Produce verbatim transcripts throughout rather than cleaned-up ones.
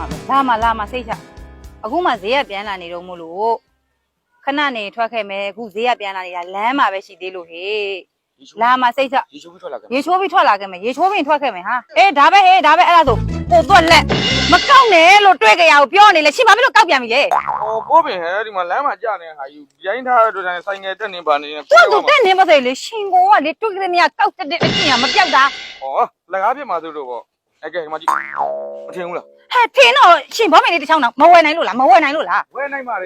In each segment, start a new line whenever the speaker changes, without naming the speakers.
မှာပဲလာမှာလာမှာစိတ်ချအခုမှဈေးကပြန်လာနေတော့မို့လို့ခဏနေထွက်ခဲ့မယ်အခုဈေးကပြန်လာနေတာလမ်းမှာပဲရှိသေးလို့ဟေးလာမှာစိတ်ချရေချိုးပြီးထွက်လာခဲ့ရေချိုးပြီးထွက်လာခဲ့မယ်ရေချိုးပြီးထွက်ခဲ့မယ်ဟာအေးဒါပဲဟေးဒါပဲအဲ့ဒါဆိုပို့သွက်လက်မကောက်နဲ့လို့တွေ့ကြရအောင်ပြောနေလေရှင်ဘာဖြစ်လို့ကောက်ပြန်ပြီလဲ
ဟောပိုးပင်ဟဲ့ဒီမှာလမ်းမှာကြာနေတဲ့ဟာယူရိုင်းထားတဲ့တို့တိုင်းဆိုင်ငယ်တက်နေပါနေတယ်
သူ့သူတက်နေပါစေလေရှင်ကိုကလေတွေ့ကြတဲ့မြကောက်တဲ့အကျင့်ကမပြောက်တာ
ဟောလက်ကားပြမှာသူတို့ပေါ့အဲ့ကဲဒီမှာကြည့်မထင်ဘူးလား
ဟဲ့ထင်းတော့ရှင်ဘောမင်းလေးတစ်ချောင်းတော့မဝယ်နိုင်လို့လားမဝယ်နိုင်လို့လား
ဝယ်နိုင်ပါလေ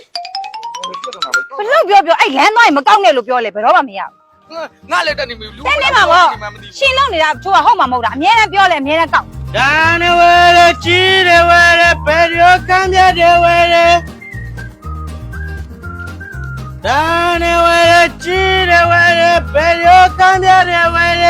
ဘလို့ပြောပြောအဲ့လမ်းသွားရင်မကောက်နဲ့လို့ပြောလေဘယ်တော့မှမရ
ဘူးငါလည်းတက်နေပြီလူ
တက်နေမှာပေါ့ရှင်လောက်နေတာသူကဟုတ်မှာမဟုတ်တာအမြဲတမ်းပြောလေအမြဲတမ်းကောက်
ဒါနဲ့ဝဲရကြီးတယ်ဝဲရဘယ်ရောကမ်းပြတယ်ဝဲရဒါနဲ့ဝဲရကြီးတယ်ဝဲရဘယ်ရောကမ်းပြတယ်ဝဲရ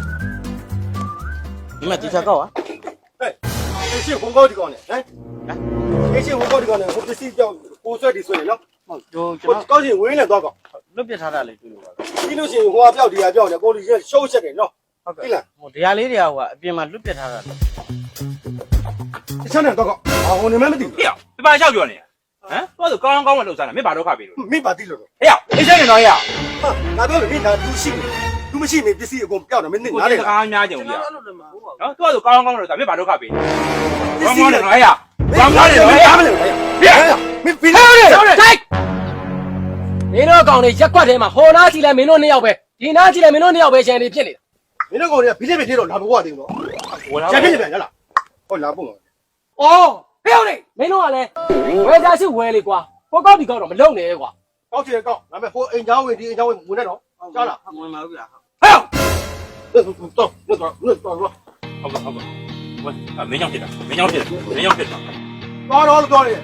ဒီမှာဒီချက်ကောက်อ่ะ
ဟဲ့အရှင်ဝင်ကောက်ဒီကောင်နဲ့ဟမ်အရှင်ဝင်ကောက်ဒီကောင်နဲ့ဟိုပစ္စည်းကြောက်ကိုဆွဲဒီဆွဲနော်
ဟုတ်ကျွန်တော်
ကောက်ရှင်ဝင်းနဲ့သွားကောက်
လွတ်ပြထားတာလေတွေ့လို့ပါ
ပြီးလို့ရှိရင်ဟိုကပြောက်ဒီကပြောက်နေကိုလူကြီးရှုံးချက်တယ်နော်
ဟုတ်ကဲ့ဟိုတရားလေးတွေကဟိုကအပြင်မှာလွတ်ပြထားတာလေ
တခြားနဲ့တော့ကောက်အာဟိုနေမမသိဘူး
ဟေ့ပြပါလျှောက်ပြောနေဟမ်သူကကောင်းကောင်းမလုပ်စားတာမင်းဘာတော့ခပြီလို့
မင်းပါသိလို့တော့
ဟေ့အေးစဲနေတော့ဟေ့
ဟာငါပြောလို့မင်းဒါသူရှိတယ်သူမရှိနေပစ္စည်းအကုန်ပြောက်တယ်မင်းသိနားလေ
ကားများကြုံကြီးနော်သူကဆိုကောင်းကောင်းမလုပ်စားမင်းဘာတော့ခပြီကောင်းကောင်းနေတော့ဟေ့ကောင်းကောင်းနေတော့ဟေ့
မင်းပြီးနေ
တယ်တိုက်မင်းတို့ကောင်တွေရက်ကွက်ထဲမှာဟိုနားကြည့်လိုက်မင်းတို့နှစ်ယောက်ပဲဒီနားကြည့်လိုက်မင်းတို့နှစ်ယောက်ပဲရှန်နေဖြစ်နေတာ
မင်းတို့ကောင်တွေကဘီလေးပဲပြေတော့လာဘွားတင်တော့ချက်ဖြစ်နေပြန်ရလားဟုတ်လားပုံပါ
အော်ဟဲ့ဟုတ်လေမင်းတို့ကလည်းဝယ်စားရှိဝယ်လေကွာဟိုကောက်ဒီကောက်တော့မလုံနဲ့ကွာ
ကောက်ချင်ကောက်ဒါပေမဲ့ဟိုအိမ်ချောင်းဝင်ဒီအိမ်ချောင်းဝင်ဝင်နေတော့ကြားလား
ဝင်ပါဘူးလား
ဟဲ့တော့တော့တော့တော့တော့
ဟုတ်ကဲ့ဟုတ်ကဲ့ဝယ်မင်းကြောင့်ဖြစ်တာမင်းကြောင့်ဖြစ်တာမင်းကြောင့်ဖြစ်တာ
တော်တော်တော်နေ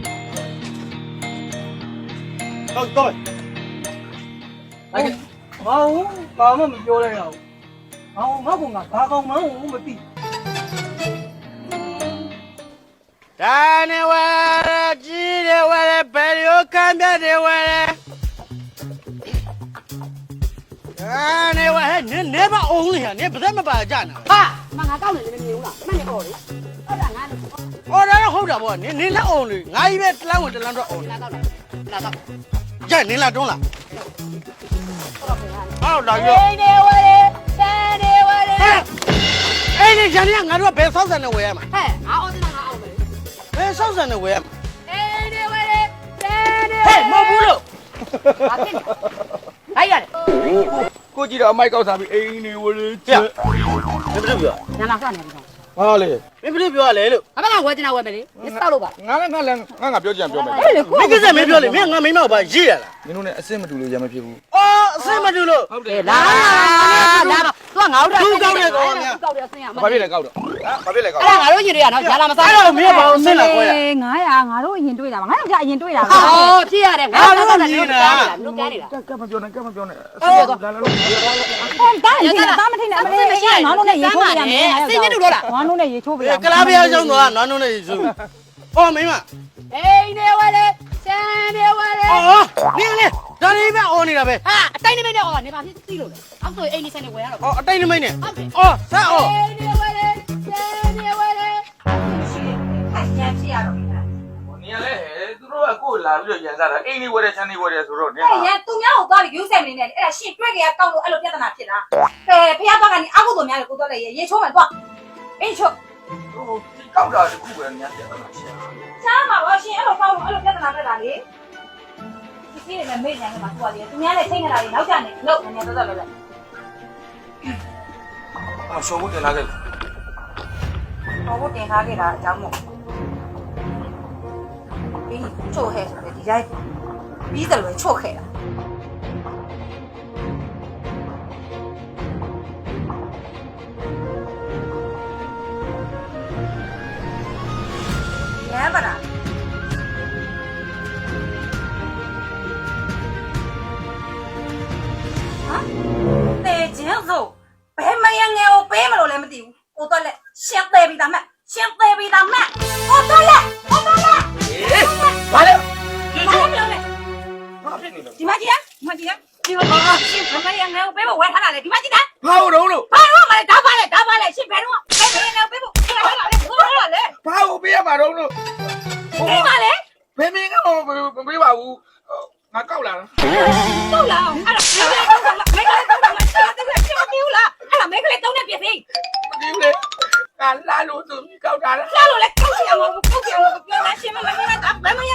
တော့တော့
အဲ့ဘာလို့ဘာမှမပြောလိုက်ရဘူး။ဘာငါ့ကောင်ကဘာကောင်မှန်းမသိ။ဒါနဲ့ဝဲကြီးတယ်ဝဲဘယ်လိုခံပြတယ်ဝဲဒါနဲ့ဝဲနင်းနေပါအောင်လေနင်းဘာမှမပါကြနာ
ဟာမငါကောက်နေလည်းမမြင်ဘူးလားမနဲ့ပေါ့လေဟုတ်တာငါလည်း
။အော်ဒါတော့ဟုတ်တာပေါ့နင်းနင်းလက်အောင်လေငါကြီးပဲတလန်းဝင်တလန်းတော့အောင်
လာတော့လာတော့
ကြနင်းလာတွန်းလာဟောလာ
အေ
ရော
းနေဝဲဆန်နေဝဲ
အဲ့ဒီဂျန်နီကငါတို့ကဘယ်ဆောက်ဆန်နဲ့ဝယ်ရမှာ
ဟဲ့ငါအော်စနာငါအော်ပဲ
ဘယ်ဆောက်ဆန်နဲ့ဝယ်ရမှာ
အေးနေဝဲဆန်နေ
ဟဲ့မဟုတ်ဘူးလို့
ဘာဖြစ်လဲလိုက်ရတယ်
ကိုကြည့်တော့အမိုက်ကောက်စားပြီးအိမ်နေဝလေ
ချက်ဘယ်လိုပြော
ညနာဆောက်နေပြီ
ဟာလေ
မင်းဘယ်လိုပြောရလဲလို့
အမကဝဲတင်တာဝဲမယ်လေမစောက်လို့ပါ
ငါလည်းငါလည်းငါငါပြောကြံပြောမယ်
မင်းကိစ္စမင်းပြောလေမင်းငါမိမောက်ပါရေးရလား
မင်းတို့နဲ့အစ်စ်မတူလို့ရမဖြစ်ဘူး
အော်အစ်စ်မတူလို့
ဟုတ်တယ်လာလာတော့သူကငါတို့
သူကောက်နေတော့
ကောက်တယ်ဆင်းရမှာ
ဘာဖြစ်လဲကောက်တော့ဟာဘာဖြစ်လဲကောက်
အဲ့ဒါငါတို့ရင်တွေ့ရနော်ဂျာလာမစား
အဲ့တော့မင်းဘာလို့ဆင်းလာခွဲရ
ငါးရာငါတို့ရင်တွေ့တာပါငါတို့ကြာရင်တွေ့တာပါအော်ဖြစ်ရတယ်ငါတို့ကလည်းနေတာတို့ကြားနေတာ
ကဲမပြောနဲ့ကဲမပြောနဲ့
အော်လာလာလို့တားရင်တားမထိနဲ့အမေငါတို့နဲ့ရေချိုးပြရမယ်အစိမ့်တူတော့လားငါတို့နဲ့ရေချိုးပြရမယ်
ကလားပြအောင်တော့နွားနုံးနဲ့ရေချိုးအော်မင်းမ
အေးနေဝဲလေဆန်နေဝဲလေ
အော်နင်းလေဒါလေးပဲအော်နေတာပဲ
ဟာအတိုင်းနေမနဲ့အော်နေပါဖြစ်သိလို့လေအောက်ဆိုအိမ်နေဆန်နေဝဲရတော့
အော်အတိုင်းနေမနဲ့အော်ဆက်အော်
အေးနေဝဲလေဆန်နေဝဲလေဟာညံဖြစ်ရတော့
နေရလေသူတို့ကကိုယ်လာပြီးတော့ရန်စားတာအိမ်နေဝဲတယ်ချမ်းနေဝဲတယ်ဆိုတော့နေ
ရန်သူများကိုသွားပြီးယူဆယ်နေတယ်အဲ့ဒါရှင်းတွေ့ကြရကောက်လို့အဲ့လိုပြဿနာဖြစ်တာအဲဖះဘက်ကနေအကုသိုလ်များလေကိုတော့လေရေချိုးမယ်သွားအေးချိုး
ဟိုကောက်တာတခုပဲညံပြဿနာရှင်း
ချားမှာပါရှင်အဲ့လိုကောက်လို့အဲ့လိုပြဿနာတက်တာလေဒီစီးနေမေ့နေမှာသွားတယ်သူများလည်းချိန်နေတာလေနောက်ကျနေလို့နည်းနည်းတော့တော့လဲ
အရှောဘုတ်တင်လာခဲ့
ဟောဘုတ်တင်ထားခဲ့တာအကြောင်းမို့ပြီးချို့ဟဲ့ဆိုတယ်ဒီတိုင်းပြီးတယ်လို့ချို့ခဲ့တာရမ်းပါလားတေကျင်းစို့ဘယ်မယငယ်ကိုပေးမလို့လည်းမသိဘူးကိုတော့လက်ရှင်းသေးပြီသားမရှင်းသေးပြီသားမကိုတော့လက်ကိုတော့လက်
ဘာလဲ
ဘာလဲပြောနေဘာဖြစ်နေလဲဒီမကြီးကဒီမကြီးကဒီမကြီးရှင်းဘယ်မယငယ်ကိုပေးဖို့ဝယ်ထားတာလေဒီမကြီးက
ဘာလို့လို့
ဘာလို့မလဲဒါပါလေဒါပါလေရှင်းဘယ်တော့ဘယ်မယငယ်ကိုပေးဖို့ဝယ်ထားတာလေဘယ်လိုလဲ
ဘာကိုပေးရမှာတော့လို့
ဒီမှာလေ
ဘယ်မင်းကမပေးပါဘူးငါကောက်လာတာ
တောက်လာအောင်အဲ့ဒါမိကလေးတောက်လာမိကလေးတောက်လာချက်တက်ချက်မပြူလားအဲ့ဒါမိကလေးတောက်နေပြစီ
မကြည့်လေငါလာလို့သူကောက်တာလား
လာလို့လေကောက်စီအောင်ကောက်စီအောင်ပြောတာရှင်းမမင်းကဘယ်မရ